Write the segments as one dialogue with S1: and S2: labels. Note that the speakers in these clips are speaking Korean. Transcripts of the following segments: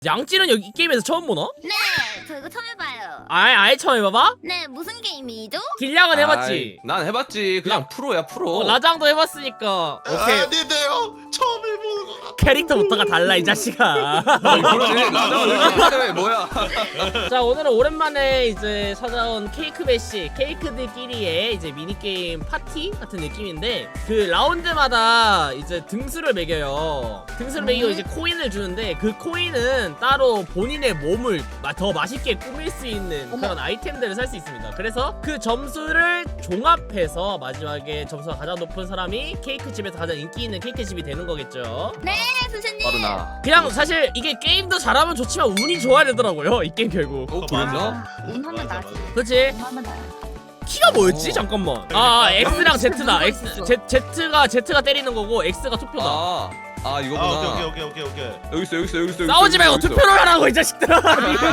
S1: 양찌는 여기 이 게임에서 처음 보나?
S2: 네, 저 이거 처음 해봐요.
S1: 아예 처음 해봐봐?
S2: 네, 무슨 게임이죠?
S1: 길냥은 해봤지?
S3: 난 해봤지. 그냥 프로야 프로.
S1: 라장도 해봤으니까 오케이.
S4: 아닌데요. 처음 해보는 거 같아.
S1: 캐릭터부터가 달라 이 자식아.
S3: 그러네. 라장은 뭐야?
S1: 자, 오늘은 오랜만에 이제 찾아온 케이크 배시, 케이크들끼리의 이제 미니게임 파티 같은 느낌인데, 그 라운드마다 이제 등수를 매겨요. 등수를 매기고 이제 코인을 주는데, 그 코인은 따로 본인의 몸을 더 맛있게 꾸밀 수 있는 그런 아이템들을 살 수 있습니다. 그래서 그 점수를 종합해서 마지막에 점수가 가장 높은 사람이 케이크 집에서 가장 인기 있는 케이크 집이 되는 거겠죠.
S2: 네, 선생님.
S3: 바로 나.
S1: 그냥 사실 이게 게임도 잘하면 좋지만 운이 좋아야 되더라고요, 이 게임 결국.
S3: 그랬나?
S2: 운하면 나지.
S1: 그렇지?
S2: 운하면 나.
S1: 키가 뭐였지? 잠깐만. X랑 Z다. Z가 때리는 거고 X가 투표다.
S3: 이거구나.
S4: 오케이.
S3: 여기 있어.
S1: 싸우지 말고 투표를 하라고 이 자식들아.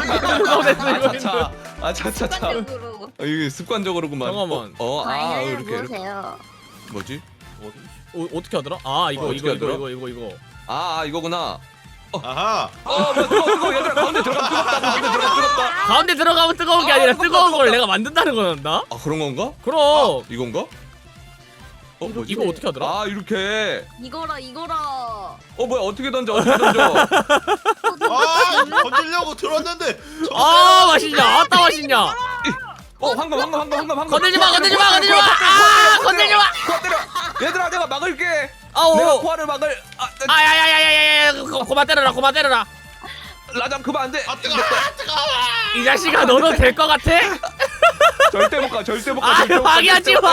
S3: 차차차.
S2: 습관적으로.
S3: 이게 습관적으로구만.
S1: 잠깐만.
S3: 이렇게.
S2: 보세요.
S3: 뭐지?
S1: 어떻게 하더라? 이거.
S3: 이거구나.
S4: 아하.
S3: 뜨거워. 얘들아 가운데 들어가.
S1: 가운데 들어가면 뜨거운 게 아니라 뜨거운 걸 내가 만든다는 거란다?
S3: 그런 건가?
S1: 그럼.
S3: 이건가? 뭐지?
S1: 이거 어떻게 하더라?
S3: 이렇게.
S2: 이거라.
S3: 뭐야 어떻게 던져?
S4: 건들려고 들었는데.
S1: 맛있냐? 아따 맛있냐?
S3: 황금.
S1: 건들지 마. 건들지 마.
S3: 때려. 얘들아 내가 막을게.
S1: 아오.
S3: 내가 포화를 막을.
S1: 야야야야야야. 그만 때려라.
S3: 라장 그만 안 돼.
S4: 뜨거워.
S1: 이 자식아, 너도 될 것 같아?
S3: 절대 못 가.
S1: 방해하지 마.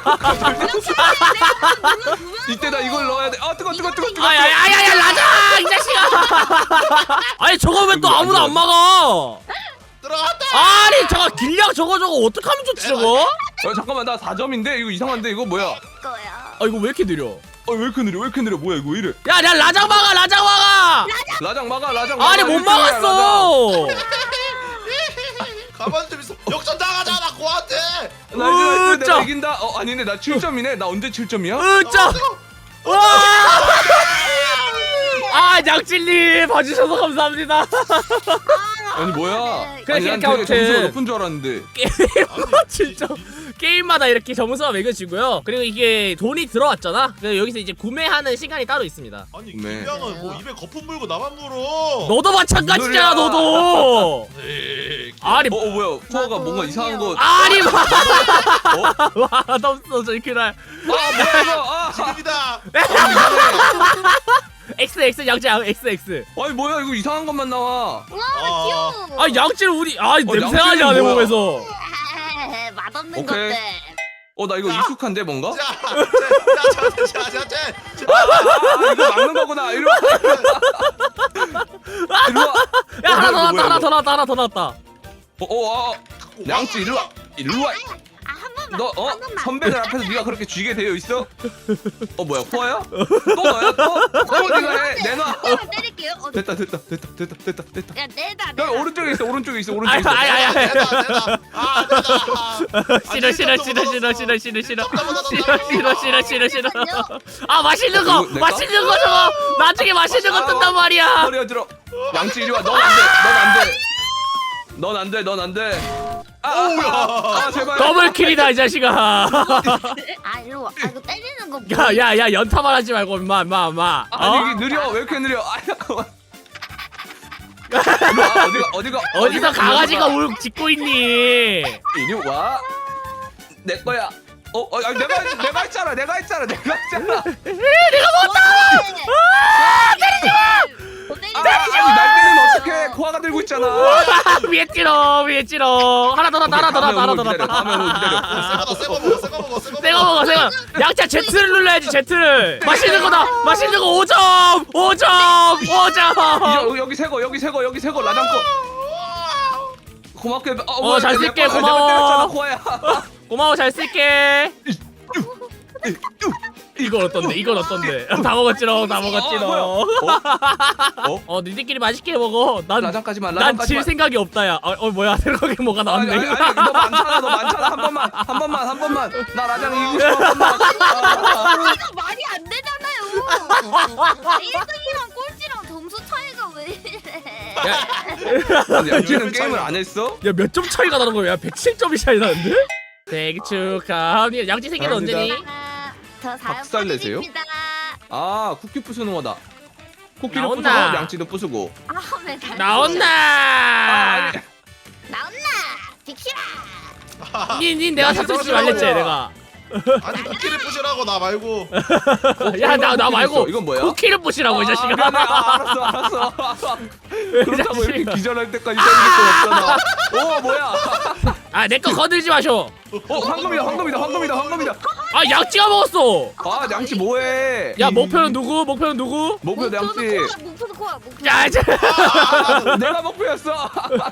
S3: 이때 나 이걸 넣어야 돼. 뜨거.
S1: 야야야야, 라장 이 자식아. 아니 저거 왜 또 아무도 안 막아?
S4: 들어갔다.
S1: 아니 저거 길냥 저거 어떡하면 좋지 저거?
S3: 잠깐만 나 4점인데 이거 이상한데 이거 뭐야?
S2: 거야.
S1: 이거 왜 이렇게 느려?
S3: 왜 이렇게 느려? 뭐야 이거 왜 이래?
S1: 야 라장 막아.
S3: 라장 막아.
S1: 아니 못 막았어.
S4: 가만히 좀 있어. 역전 당하잖아 고한테.
S3: 나
S1: 으짜.
S3: 이긴다. 아니네 나 7점이네. 나 언제 7점이야?
S1: 으짜. 와. 양찔님 봐주셔서 감사합니다.
S3: 아니 뭐야?
S1: 그래,
S3: 난
S1: 그렇게
S3: 되게 점수가
S1: 아무튼.
S3: 높은 줄 알았는데.
S1: 진짜 게임마다 이렇게 점수가 매겨지고요. 그리고 이게 돈이 들어왔잖아. 그래서 여기서 이제 구매하는 시간이 따로 있습니다.
S4: 아니
S3: 네.
S4: 김양은 뭐 입에 거품 물고 나만 물어.
S1: 너도 마찬가지잖아.
S3: 무슨 소리야.
S1: 너도.
S4: 에이,
S1: 아니
S3: 뭐야? 포화가 뭔가 이상한 거.
S1: 아니 맛없어 저희 그날.
S3: 뭐야 이거?
S4: 지금이다.
S1: X 양치 XX.
S3: 아니 뭐야 이거 이상한 것만 나와.
S2: 와, 귀여워.
S1: 양치를 우리 냄새나지
S3: 양치는
S1: 않아
S3: 뭐야?
S1: 몸에서.
S2: 맛없는
S3: 오케이.
S2: 것들.
S3: 나 이거 익숙한데 뭔가?
S4: 자.
S3: 이거 막는 거구나. 이리 와.
S1: 야 하나 더
S3: 뭐야,
S1: 나왔다.
S3: 양치 일로 와.
S2: 한 번만.
S3: 너
S2: 한 번만.
S3: 선배들 앞에서 네가 그렇게 쥐게 되어 있어? 뭐야 포화야? 또 너야 또? 네가 해 내놔.
S2: 한번 때릴게요.
S3: 됐다.
S2: 야, 내다.
S3: 야 오른쪽에 있어. 오른쪽에 있어.
S1: 아야.
S4: 내다.
S1: 싫어. 맛있는 거
S3: 이거 내가?
S1: 저거 나중에 맛있는 거 뜬단 말이야.
S3: 허리 들어. 양치 이리 와. 넌 안 돼. 제발.
S1: 더블 킬이다 이 자식아.
S2: 일로 와. 이거 때리는 거 뭐?
S1: 야 연타만 하지 말고 임마.
S3: 아니 이게 느려. 왜 이렇게 느려? 잠깐만. 어디가?
S1: 어디서 강아지가 울 짖고 있니?
S3: 이리 와. 내 거야. 아니, 내가 했잖아.
S2: 내가 못다.
S3: 아니 날 때리면 어떡해? 코아가 들고 있잖아.
S1: 위에 찌러. 하나 더 났다.
S3: 다음에 기다려.
S4: 새거 먹어.
S1: 양자 Z를 눌러야지. Z를. 맛있는 거다. 맛있는 거 5점.
S3: 여기 새거 라장 거. 고맙게.
S1: 잘 쓸게,
S3: 내가
S1: 고마워.
S3: 때렸잖아, 코아야.
S1: 고마워 잘 쓸게. 이건 어떤데? 다 먹었지롱. 니들끼리 맛있게 먹어. 난 질 생각이 없다 야. 뭐야 생각에 뭐가 나왔네.
S3: 아니, 너 많잖아. 한 번만. 나 라장 이기고 싶어. 한 번만.
S2: 이거 말이 안 되잖아요. 1등이랑 꼴찌랑 점수 차이가 왜 이래?
S3: 아니, 양치는 게임을 안 했어?
S1: 야 몇 점 차이가 나는 거야? 107점이 차이 나는데? 생일 축하합니다. 양치 생일 언제니?
S2: 저 4월
S3: 박살 내세요?
S2: 8일입니다.
S3: 아 쿠키 부수는 거다. 쿠키를
S1: 나온다.
S3: 부수고 양치도 부수고.
S2: 네, 잘
S1: 나온다.
S3: 아니.
S2: 나온나 빅시라.
S1: 닌 내가
S3: 양치
S1: 삭제하지
S3: 떨어져.
S1: 말랬지 내가.
S4: 아니 쿠키를 부시라고 나 말고.
S1: 야 나 말고
S3: 이건 뭐야?
S1: 쿠키를 부시라고 이 자식아.
S3: 미안해. 알았어. 그렇다고 이렇게
S1: 자식아.
S3: 기절할 때까지 때릴 건 없잖아. 오 뭐야?
S1: 아 내 거 거들지 마쇼.
S3: 황금이다.
S1: 아 양치가 먹었어.
S3: 아 양치 뭐해?
S1: 야 목표는 누구? 목표는 누구?
S3: 목표 양치.
S2: 목표도 코야 목표.
S1: 야 이제
S3: 내가 목표였어.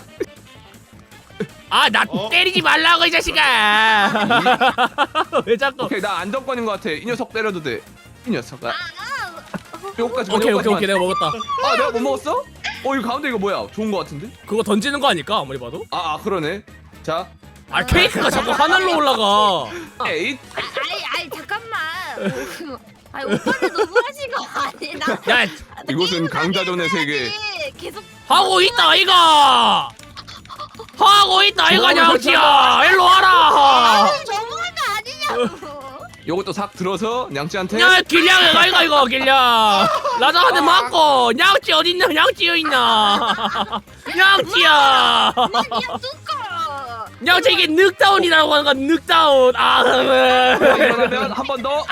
S1: 아 나
S4: 어?
S1: 때리지 말라고 이 자식아. 왜 자꾸?
S3: 오케이 나 안정권인 것 같아. 이 녀석 때려도 돼. 이 녀석아. 요거까지.
S1: 오케이 내가 먹었다.
S3: 아 내가 못 먹었어? 어 이거 가운데 이거 뭐야? 좋은 거 같은데?
S1: 그거 던지는 거 아닐까 아무리 봐도?
S3: 아 그러네. 자.
S1: 아 케이크가 자꾸 하늘로 올라가.
S3: 에잇.
S2: 아이 잠깐만. 아이 오빠는 너무하신 거 아니? 나
S1: 야
S3: 이곳은 강자전의 세계.
S2: 계속
S1: 하고 있다 이거. 하고 있다 이거 양치야. 일로 와라.
S2: 너무한 거 아니냐고.
S3: 요것도 싹 들어서 양치한테.
S1: 야 길냥이가 이거 길냥. 라자한테 맞고 양치 어딨냐? 양치 여기 있냐? 양치야.
S2: 그냥 뚜꺼.
S1: 양치 이게 늑다운이라고 하는 거야 늑다운. 아.
S3: 그러면 한 번 더.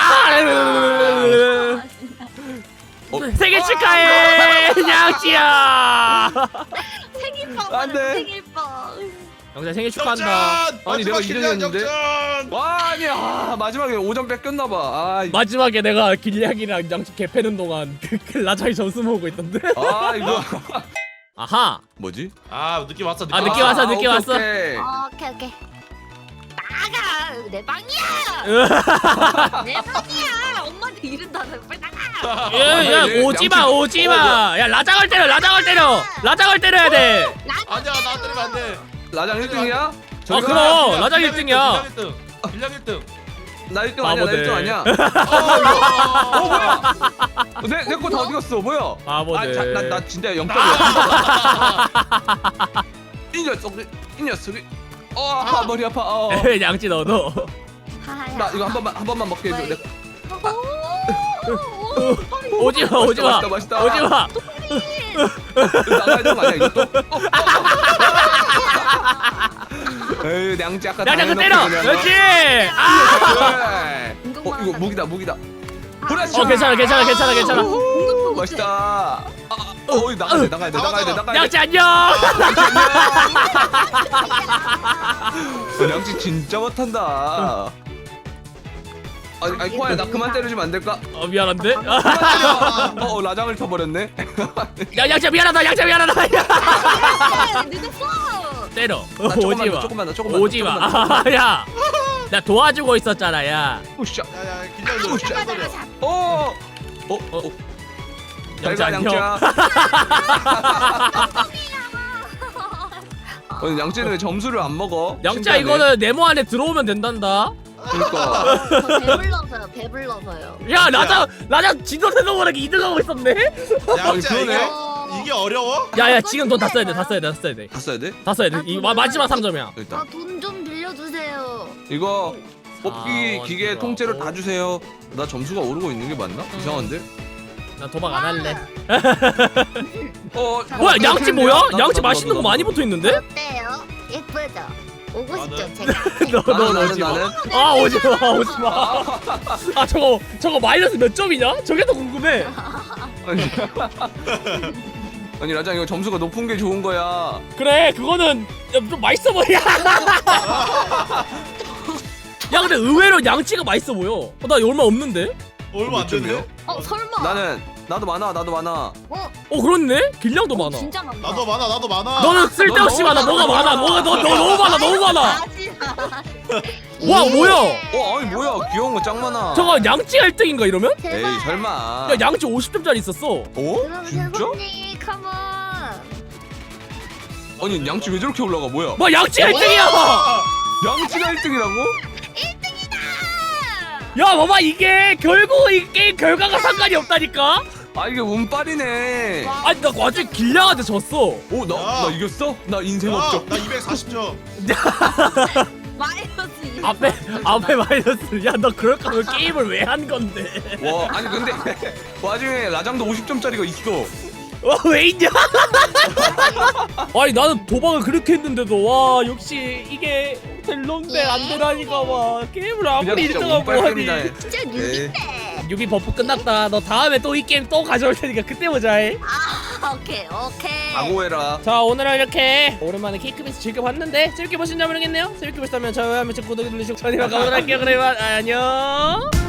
S1: 생일 축하해 양치야.
S2: 생일빵
S3: 안 돼.
S2: 생일빵.
S1: 영자 생일 축하한다.
S3: 아니, 내가 이전이었는데?
S4: 역전.
S3: 와 아니 마지막에 5점 뺏겼나봐. 아,
S1: 마지막에 내가 길냥이랑 양치 개 패는 동안 그 라자이 점수 모으고 있던데.
S3: 아 이거
S1: 아하.
S3: 뭐지?
S4: 아 느낌 왔어.
S1: 아, 느낌 왔어, 느낌
S3: 오케이,
S1: 왔어.
S3: 오케이.
S2: 오케이. 나가 내 방이야. 내 방이야. 엄마한테 이른다며 빨리 나가.
S1: 야 오지마. 야 라장을 때려. 라장을 때려야 돼.
S4: 아니야 나 때리면 안 돼.
S3: 라장 1등이야?
S1: 아 그럼 라장 1등이야.
S4: 1등 1등.
S3: 나 1등 아니야. 나
S1: 바보들.
S3: 1등 아니야.
S4: 어 뭐야?
S3: 내 거 다 어디 갔어? 뭐야?
S1: 바보들.
S3: 나 진짜 0점이야. 이 녀석이. 머리 아파.
S1: 양치 너도.
S3: 나 이거 한 번만 먹게 해줘.
S1: 오지마.
S3: 맛있다.
S1: 오지마.
S3: 나가야 되는 거 아니야 이것도? 에이 양치 아까
S1: 양치 그 때려.
S3: 당해놓고 그냥.
S1: 그렇지.
S3: 그래. 이거 무기다. 그렇지.
S1: 괜찮아.
S3: 맛있다. 나가야 돼.
S1: 양치 안녕.
S3: 양치 진짜 못한다. 아니 코아야 나 그만 때려주면 안 될까?
S1: 미안한데.
S3: 그만 때려. 라장을 쳐버렸네.
S1: 야 양치 미안하다.
S2: 늦었어.
S1: 때려.
S3: 조금만 더.
S1: 오지마. 야. 나 도와주고 있었잖아 야.
S3: 우샤.
S4: 야야 긴장도 긴장거려.
S1: 양치 안녕.
S3: 양치는 왜 점수를 안 먹어?
S1: 양치야
S3: 신기하네.
S1: 이거는 네모 안에 들어오면 된단다.
S3: 그러니까.
S2: 배불러서요.
S1: 야 라장 지도 대도 모르게 2등하고 있었네.
S4: 양자
S3: 그러네.
S4: 이게 어려워?
S1: 야야 지금 돈 다 써야 돼.
S3: 다 써야 돼?
S1: 이 마지막 3점이야.
S3: 일단
S2: 돈 좀 빌려주세요.
S3: 이거 뽑기
S1: 아,
S3: 기계
S1: 어지러워.
S3: 통째로 다 주세요. 나 점수가 오르고 있는 게 맞나? 이상한데?
S1: 나 도박 안 할래.
S3: 뭐야
S1: 양치 뭐야? 양치 맛있는 거 많이 붙어 있는데?
S2: 어때요? 예쁘죠? 오고 싶죠?
S4: 나는-
S2: 제가.
S1: 너 오지 마. 아 오지 마. 아 저거 마이너스 몇 점이냐? 저게 더 궁금해.
S3: 아니 라장 이거 점수가 높은 게 좋은 거야.
S1: 그래 그거는 좀 맛있어 보여. 야 근데 의외로 양치가 맛있어 보여. 나 얼마 없는데?
S4: 얼마 안 되네.
S2: 설마.
S3: 나도 많아.
S1: 그렇네? 길냥도 많아.
S2: 진짜 많다.
S4: 나도 많아.
S1: 너는 쓸데없이 많아. 뭐가 많아. 너 너무 많아. 와 뭐야?
S3: 아니 뭐야 귀여운 거 짱 많아.
S1: 저거 양치 1등인가 이러면?
S3: 에이 설마.
S1: 야 양치 50점짜리 있었어.
S2: 그럼
S3: 진짜?
S2: 세븐님 컴온.
S3: 아니 양치 왜 저렇게 올라가 뭐야?
S1: 뭐 양치 1등이야.
S3: 양치가 1등이라고?
S1: 야 봐봐 이게 결국 이 게임 결과가 상관이 없다니까.
S3: 아 이게 운빨이네.
S1: 아니 나 완전 길냥한테 졌어.
S3: 오 나 이겼어? 나 인생
S4: 야,
S3: 없죠.
S4: 나 240점.
S2: 마이너스
S1: 앞에 마이너스. 야 너 그럴 거면 게임을 왜 한 건데?
S3: 와 아니 근데 와중에 라장도 50점짜리가 있어.
S1: 왜 있냐? 아니 나는 도박을 그렇게 했는데도 와 역시 이게 델론데 안 되라니까 와 게임을 아무리
S3: 진짜
S1: 1등하고 하니.
S3: 운빨입니다.
S2: 진짜 뉴비네.
S1: 유비 버프 끝났다. 너 다음에 또 이 게임 또 가져올 테니까 그때 보자.
S2: 오케이.
S3: 각오해라.
S1: 자 오늘은 이렇게 오랜만에 케이크베이스 즐겨봤는데 재밌게 보셨나 모르겠네요. 재밌게 보셨다면 좋아요, 구독 눌러주시고 저희만 가보도록 할게요. 그러면 안녕.